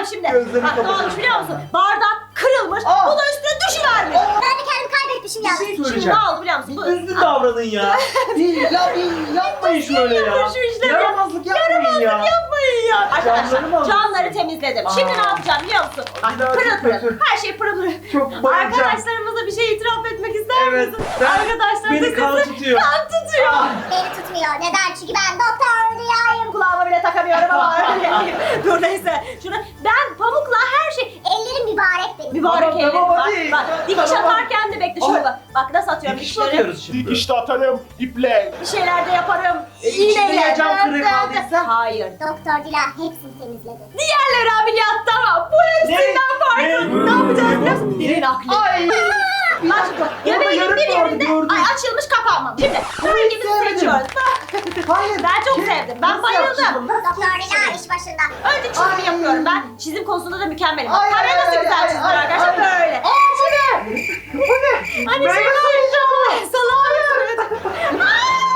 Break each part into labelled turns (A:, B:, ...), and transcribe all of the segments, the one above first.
A: şimdi.
B: Gözlerini
A: Bak ne
B: kapat.
A: olmuş biliyor musun? Bardak kırılmış.
B: Aa.
A: Bu da üstüne düşüvermiş.
C: Ben de kendimi kaybetmişim ya.
B: Bir şey
A: Şimdi
B: söyleyeceğim.
A: ne oldu biliyor musun?
B: Bir düzgün davranın ya. bir yapmayın şöyle ya.
A: Şu işleri
B: Yaramazlık yapmayın ya.
A: yapmayın ya. Arkadaşlar
B: Camları mı alıyorsun?
A: camları temizledim. Şimdi ne yapacağım biliyor musun? Ay,
B: Bir daha
A: pırıl
B: çok
A: pırıl.
B: kötü.
A: Her şey pırıl pırıl.
B: Çok bayılacağım.
A: Arkadaşlarımıza bir şey itiraf etmek ister
B: Evet.
A: misin?
B: Ben,
A: Arkadaşlar
B: beni kan tutuyor.
A: kan tutuyor.
C: Beni tutmuyor. Neden? Çünkü ben doktor Rüya'yım.
A: Kulağıma bile takamıyorum ama dur neyse. Şunu ben pamukla her şey
C: Ellerim mübarek benim.
A: mübarek
B: Tamam,
A: ellerim
B: tamam,
A: var.
B: hadi.
A: Bak dikiş
B: Tamam.
A: atarken de bekle şöyle
B: Ay.
A: bak. Bak nasıl atıyorum
B: Dikiş
A: dikişleri.
B: atıyoruz şimdi.
D: Dikişte atarım, iple.
A: Bir şeyler de yaparım.
B: İçinde
A: İğneyle.
B: ya cam kırığı kaldıysa?
A: Hayır.
C: Doktor Dila hepsini temizledi.
A: Diğerleri ameliyatta ama bu hepsinden farklı. Ne yapacağız biliyor musun? Birinin aklı.
B: Ay. Bir
A: Bak
B: dakika.
A: göbeğin
B: Orada
A: bir
B: yarık vardı,
A: yerinde
B: gördüm.
A: ay açılmış kapanmamış. Şimdi hangimizi
B: sevmedim.
A: seçiyoruz?
B: Hayır.
A: Ben çok
B: Kim-
A: sevdim. Ben
B: Nasıl
A: bayıldım.
B: yaptın bunu?
C: Doktor Dila iş başında.
A: Önce çizimi
B: Ay.
A: yapıyorum ben. Çizim konusunda da mükemmelim. Bak
B: Ay,
A: kare
B: ay,
A: nasıl
B: ay,
A: güzel
B: ay,
A: çizilir
B: ay,
A: arkadaşlar
B: ay.
A: böyle.
B: Bu ne? Bu ne?
A: Hani
B: Meyve
A: şey
B: suyu.
A: koyacağım. Salam.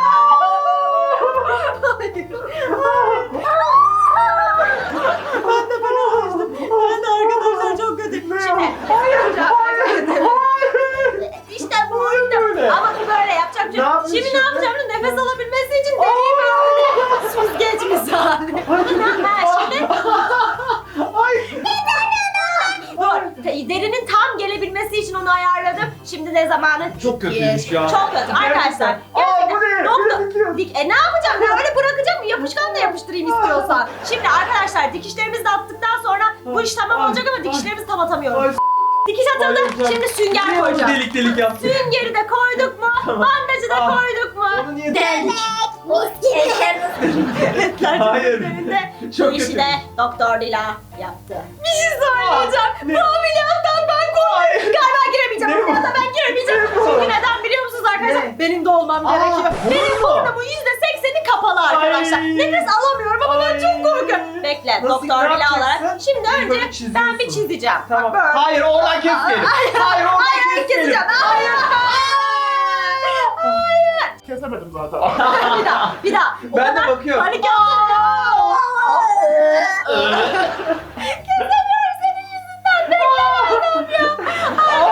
A: Ben de arkadaşlar çok kötü. Şimdi
B: Hayır.
A: İşte bu
B: Böyle.
A: işte. Ama bu böyle yapacak bir şey.
B: Ne
A: yok.
B: yapmış
A: Şimdi ne
B: şimdi?
A: yapacağım? Nefes alabilmesi için deneyim üstüne. Süzgeç misali. Ha, şimdi
B: Ay.
A: dur. Derinin tam gelebilmesi için onu ayarladım. Şimdi ne zamanı?
B: Çok kötüymüş ya.
A: Çok kötü. Arkadaşlar.
B: Aa, bu ne?
A: Doktor.
B: Biraz
A: Ne yapacağım? Ben öyle bırakacağım. Yapışkan da yapıştırayım istiyorsan. Şimdi arkadaşlar dikişlerimizi de attıktan sonra bu iş tamam
B: Ay,
A: olacak ama
B: ay.
A: dikişlerimizi tam atamıyorum.
B: Ay.
A: Dikiş atıldı.
B: Bayılacağım.
A: Şimdi sünger
B: Niye onu
A: koyacağım.
B: delik delik yaptın?
A: Süngeri de koyduk mu? Bandajı da
B: Ah.
A: koyduk mu?
B: Onu niye
A: Deldik.
C: Mis gibi.
B: Hayır.
A: Çok
B: Çok
A: Bu işi
B: kötü.
A: de Doktor Dila yaptı. Bir şey söyleyeceğim.
B: Ah, ne?
A: Bu ameliyattan ben korkuyorum. Galiba giremeyeceğim.
B: Ne bu?
A: Ameliyata ben giremeyeceğim.
B: Ne bu?
A: Çünkü neden biliyor musunuz arkadaşlar?
B: Ne?
A: Benim de olmam
B: Aa,
A: gerekiyor. Benim
B: bu mu?
A: burnumun %80'i kapalı arkadaşlar.
B: Ay.
A: Nefes alamıyorum ama ben çok korkuyorum. Bekle
B: Nasıl,
A: Doktor
B: ne
A: Dila
B: yapacaksın?
A: olarak. Şimdi
B: Bir böyle
A: önce
B: çiziyorsun.
A: ben bir çizeceğim.
B: Tamam.
A: Bak böyle.
B: Hayır oradan kesmeyelim. Hayır oradan
A: Hayır
B: kesmeyelim.
A: keseceğim. Hayır. Hayır.
D: Kesemedim zaten.
A: Bir daha. O
B: Ben de
A: kadar
B: bakıyorum.
A: Panik yaptım. Kesemiyorum senin yüzünden. Beklemedim ya.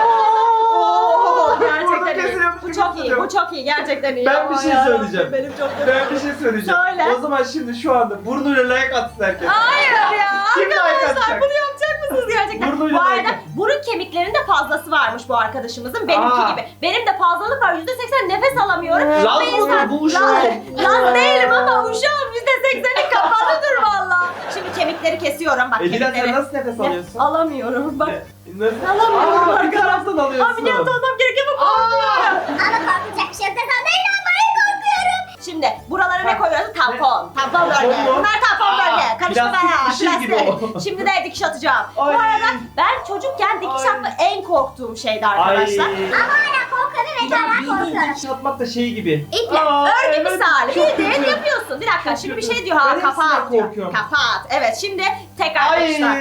B: Oo,
A: Gerçekten
B: burada
A: iyi.
B: kesiliyormuş
A: Bu
B: gibi
A: çok iyi.
B: hissediyorum.
A: Bu çok iyi. Gerçekten iyi.
B: Ben bir
A: Ama
B: şey
A: ya,
B: söyleyeceğim.
A: Benim çok kötü.
B: Ben bir şey söyleyeceğim.
A: Söyle.
B: O zaman şimdi şu anda burnuyla like atsın herkes.
A: Hayır ya.
B: Kim like
A: Arkadaşlar
B: atacak?
A: bunu yapacak mısınız gerçekten?
B: Burnuyla
A: Bu arada
B: like.
A: burun kemiklerinde fazlası varmış bu arkadaşımızın. Benimki
B: Aa.
A: gibi. Benim de fazlalık var. %80 nefes alamıyorum.
B: Laz
A: Ve
B: mı
A: insan-
B: bu uşağım?
A: Laz değilim ama uşağım %80'i kapalıdır valla. Şimdi kemikleri kesiyorum. Bak
B: Edila
A: kemikleri.
B: sen nasıl nefes alıyorsun?
A: Alamıyorum. Bak.
B: Nasıl?
A: Alamıyorum
B: Aa, bir
A: arkadaşlar.
B: taraftan alıyorsun.
A: Ameliyat olmam gerekiyor ama korkuyorum.
C: Ama korkacak bir şey yok desem ben inanmayı korkuyorum.
A: Şimdi buralara ne koyuyoruz? Tampon. Tampon bölge.
B: Tampon mu?
A: Bunlar tampon
B: Aa,
A: bölge. Karıştırma
B: plastik
A: ya.
B: bir şey gibi o.
A: Şimdi de dikiş atacağım. Bu
B: Ay.
A: arada ben çocukken dikiş
B: Ay.
A: atmak en korktuğum şeydi arkadaşlar.
C: Ama hala korkuyorum ve hala korkuyorum.
B: Dikiş atmak da şey gibi.
A: İple,
B: Aa,
A: örgü
B: evet,
A: misali.
B: çok
A: Bildiğin
B: kötü.
A: yapıyorsun. Bir dakika şimdi bir
B: kötü.
A: şey diyor ha
B: Ben
A: kapat
B: hepsinden
A: diyor.
B: korkuyorum.
A: Kapat. Evet şimdi tekrar
B: Ay.
A: dikişler.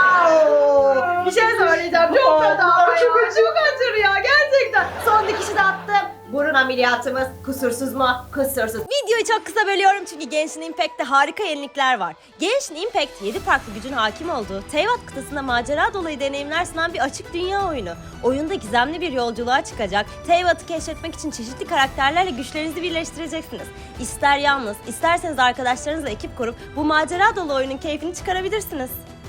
A: Bir şey söyleyeceğim. Çok
B: Aa,
A: kötü ama
B: bunlar çok
A: ya. Çok acır ya gerçekten. Son dikişi de attım. Burun ameliyatımız kusursuz mu? Kusursuz. Videoyu çok kısa bölüyorum çünkü Genshin Impact'te harika yenilikler var. Genshin Impact 7 farklı gücün hakim olduğu, Teyvat kıtasında macera dolu deneyimler sunan bir açık dünya oyunu. Oyunda gizemli bir yolculuğa çıkacak, Teyvat'ı keşfetmek için çeşitli karakterlerle güçlerinizi birleştireceksiniz. İster yalnız, isterseniz arkadaşlarınızla ekip kurup bu macera dolu oyunun keyfini çıkarabilirsiniz.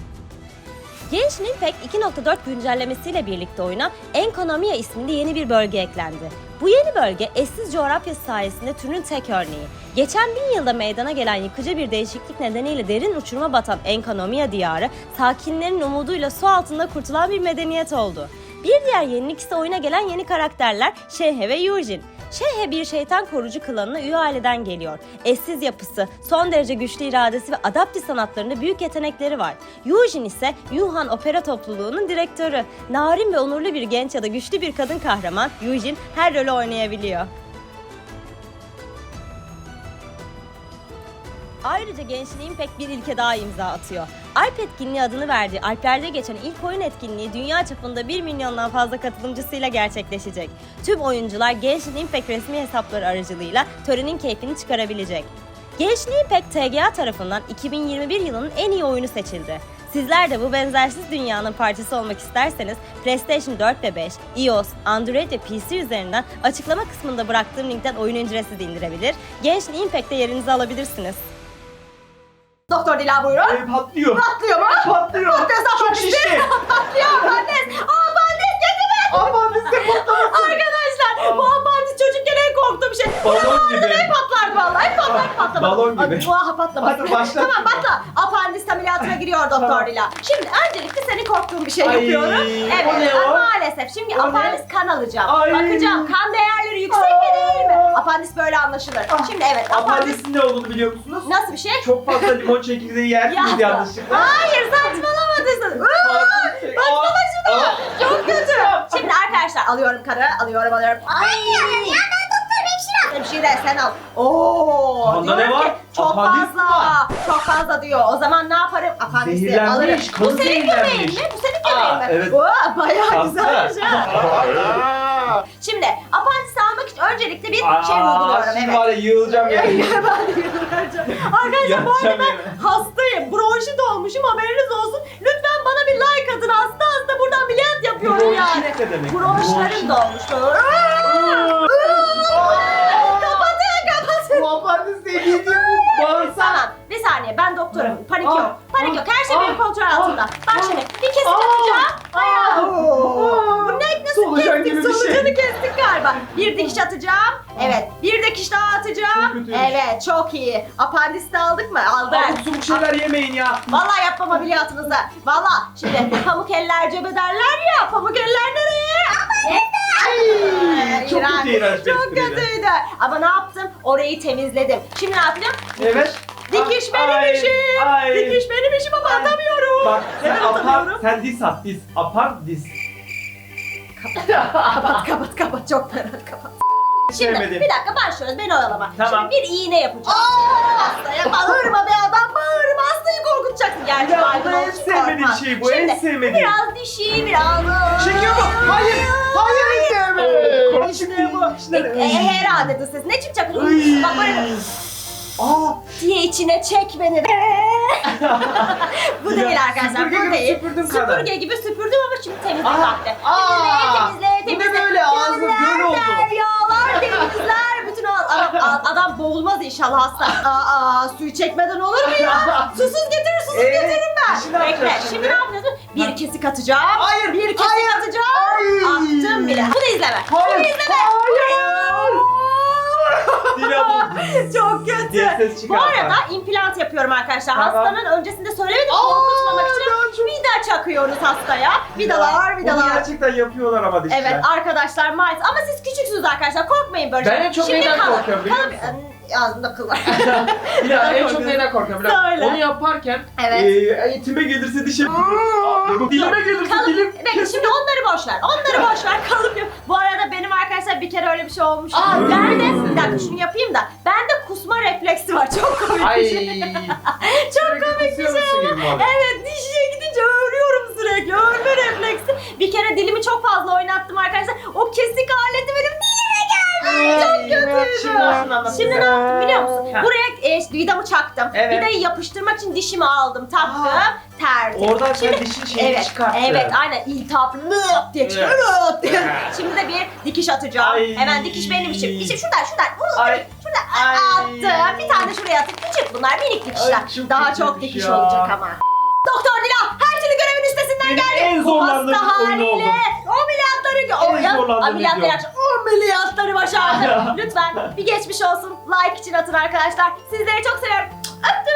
A: Genshin Impact 2.4 güncellemesiyle birlikte oyuna Enkonomiya isminde yeni bir bölge eklendi. Bu yeni bölge eşsiz coğrafyası sayesinde türünün tek örneği. Geçen 1000 yılda meydana gelen yıkıcı bir değişiklik nedeniyle derin uçuruma batan Enkonomiya diyarı, sakinlerin umuduyla su altında kurtulan bir medeniyet oldu. Bir diğer yenilik ise oyuna gelen yeni karakterler Shenhe ve Yujin. Shenhe bir şeytan korucu klanına üye aileden geliyor. Eşsiz yapısı, son derece güçlü iradesi ve adaptif sanatlarında büyük yetenekleri var. Yujin ise Yuhan Opera Topluluğu'nun direktörü. Narin ve onurlu bir genç ya da güçlü bir kadın kahraman, Yujin her rolü oynayabiliyor. Ayrıca Genshin Impact bir ilke daha imza atıyor. Alp etkinliği adını verdiği Alplerde geçen ilk oyun etkinliği dünya çapında 1 milyondan fazla katılımcısıyla gerçekleşecek. Tüm oyuncular Genshin Impact resmi hesapları aracılığıyla törenin keyfini çıkarabilecek. Genshin Impact TGA tarafından 2021 yılının en iyi oyunu seçildi. Sizler de bu benzersiz dünyanın parçası olmak isterseniz PlayStation 4 ve 5, iOS, Android ve PC üzerinden açıklama kısmında bıraktığım linkten oyun ücretsiz de indirebilir. Genshin Impact'te yerinizi alabilirsiniz.
B: Doktor Dila buyurun.
D: Patlıyor.
B: Patlıyor mu?
D: Patlıyor.
B: Patlıyorsa
D: Çok
B: apandis.
D: şişti.
B: Patlıyor apandis. Apandis getirme.
D: Apandis de patlamasın.
B: Arkadaşlar bu apandis çocukken en korktuğum şey.
D: Balon gibi.
B: Hep patlardı vallahi. Hep patlardı.
D: Balon gibi.
B: Patlamasın.
D: Hadi başla.
B: Tamam patla. Apandis ameliyatına giriyor Doktor
D: Tamam.
B: Dila. Şimdi öncelikle seni korktuğum bir şey
D: Ay,
B: yapıyorum.
D: o
B: Evet
D: ne o?
B: maalesef. Şimdi
D: O ne?
B: apandis kan alacağım.
D: Ay.
B: Bakacağım kan değerleri yüksek mi değil mi? Apandis böyle anlaşılır.
D: Ah,
B: Şimdi evet apandis
D: Apandisin ne olduğunu biliyor musunuz?
B: nasıl bir şey?
D: Çok fazla limon çekirdeği yersiniz yanlışlıkla.
B: Hayır saçmalamadın. Bak baba şunu. Çok kötü. Şimdi arkadaşlar alıyorum kanı. Alıyorum.
C: Hayır ya ben doktor hemşire.
B: Hemşire sen al. Oo.
D: Kanda
B: diyorum
D: ne var?
B: ki, çok
D: Apandis mi
B: fazla.
D: var?
B: Çok fazla diyor. O zaman ne yaparım? Apandisi
D: Zehirlenmiş,
B: alırım. Bu
D: kanı
B: senin
D: zehirlenmiş.
B: göbeğin mi? Bu senin göbeğin mi?
D: Evet.
B: Oo, bayağı
D: Tatlı.
B: güzelmiş ha. Şimdi apandisi almak için öncelikle bir şey
D: Aa,
B: uyguluyorum.
D: şimdi
B: Evet.
D: var ya yığılacağım yani.
B: Ben de yürüyeceğim. Arkadaşlar bu arada
D: Yatacağım
B: ben
D: yere.
B: hastayım. Bronşit olmuşum haberiniz olsun. Lütfen bana bir like atın. Hasta buradan ameliyat yapıyorum
D: Bronşit
B: yani.
D: ne demek?
B: Bronşlarım dolmuş. Kapatın.
D: Bu apandis dediğim bu bağırsak.
B: Tamam bir saniye ben doktorum. Panik
D: Ah,
B: yok. Panik yok. Her şey
D: ah,
B: benim kontrol altında. Bak
D: ah,
B: şimdi bir kesik
D: ah,
B: atacağım. Ayağı.
D: ah.
B: Bu ne nasıl
D: Solucan
B: kestik?
D: gibi bir şey.
B: Solucanı kestik galiba. Bir dikiş atacağım. Evet. Bir dikiş daha atacağım.
D: Çok kötüymüş.
B: Evet çok iyi. Apandis de aldık mı? Aldık.
D: Abuk subuk şeyler yemeyin ya.
B: Vallahi yapmam ameliyatınızı. Vallahi şimdi pamuk eller cebe derler ya. Pamuk eller nereye?
D: Ay, çok kötü iğrenç bir
B: Çok
D: espriydi.
B: kötüydü. Ama ne yaptım? Orayı temizledim. Şimdi ne yapacağım?
D: Evet.
B: Dikiş
D: Ay,
B: benim işim.
D: ay.
B: Dikiş benim işim ama atamıyorum.
D: Bak sen
B: Neden atamıyorum?
D: sen dis at dis. Apandis.
B: Kapat çok fena kapat. Şimdi
D: Sevmedim.
B: bir dakika başlıyoruz beni oyalama.
D: Tamam.
B: Şimdi bir iğne yapacağım. Hastaya bağırma be adam bağırma hastayı korkutacaksın. Gerçi
D: Ya, bu
B: baygın
D: en
B: olduğu için
D: sevmediğim
B: korkmaz.
D: şey bu, en
B: Şimdi
D: sevmediğim.
B: biraz dişi biraz.
D: Çekiyor mu? Hayır. Hayır sevmedim.
B: İşte bu. Herhalde de ses. Ne çıkacak?
D: Ay.
B: Bak böyle
D: Aa.
B: diye içine çek beni. Bu değil arkadaşlar.
D: Süpürge
B: Bu
D: gibi
B: değil.
D: süpürdüm kadar.
B: Süpürge gibi süpürdüm ama şimdi temizlik
D: Aa.
B: vakti.
D: Aa.
B: Temizle.
D: Bu ne böyle? Ağzım göl oldu.
B: Yağlar, denizler, bütün adam boğulmaz inşallah hasta. Suyu çekmeden olur mu ya? Susuz getiririm ben.
D: işi ne yapacağız
B: Bekle,
D: şimdi?
B: şimdi ne yapıyorsun? Bir kesik atacağım.
D: Hayır,
B: Bir kesik
D: hayır,
B: atacağım.
D: hayır.
B: Attım bile. Bunu izleme.
D: Hayır.
B: Bunu izleme.
D: Dila bu.
B: Çok kötü.
D: Diye ses
B: Bu
D: çıkartma.
B: arada implant yapıyorum arkadaşlar.
D: Tamam.
B: Hastanın öncesinde söylemedim korkutmamak için vida çakıyoruz hastaya. Vidalar.
D: Bunu gerçekten yapıyorlar ama dişler.
B: Evet arkadaşlar maalesef ama siz küçüksünüz arkadaşlar korkmayın böyle.
E: Ben en çok neyden korkuyorum biliyor musun?
B: Ağzımda kıl var.
E: Ya en çok neyden korkuyorum biliyor musun?
B: Söyle.
E: Onu yaparken
B: Evet.
D: Etime gelirse dişim. Dilime gelirse
B: Kalıp,
D: dilim.
B: bekle şimdi onları boş ver. Onları boş ver. Kalıp yap. Bu arada benim arkadaşlar bir kere öyle bir şey olmuş. Ben de bir dakika şunu yapayım da. Bende kusma refleksi var. Çok komik
E: ay
B: bir şey. Çok komik bir şey ama. Evet dişe gidince öğürüyorum sürekli. Öğürme refleksi. Bir kere dilimi çok fazla oynattım arkadaşlar. O kesik aleti benim dilime geldi. Çok kötüydü.
E: Şimdi nasıl anlatayım?
B: Şimdi ne yaptım biliyor musun?
E: Ha.
B: Buraya vidamı çaktım.
E: Evet.
B: Vidayı yapıştırmak için dişimi aldım. Taktım. Terdim.
E: oradan sen dişin şeyini çıkarttın.
B: Evet aynen iltihap lıp diye çıkıyor lıp diye. Şimdi de bir dikiş atacağım.
D: Ay.
B: Hemen dikiş benim işim. İşte şuradan
D: Ay.
B: şuradan
D: Ay.
B: attım. Bir tane de şuraya atayım. Küçük bunlar minik dikişler.
D: Ay, çok
B: Daha
D: kötüymüş
B: çok dikiş
D: ya.
B: olacak ama. Doktor Dila her türlü görevin üstesinden
D: Benim
B: geldi.
D: en
B: Bu
D: zorlandığım
B: hasta
D: oyun
B: haliyle
D: oldu. En zorlandığım
B: ameliyatları
D: video.
B: yapacak. Ameliyatları başardı. Lütfen bir geçmiş olsun. Like için atın arkadaşlar. Sizleri çok seviyorum. Öptüm.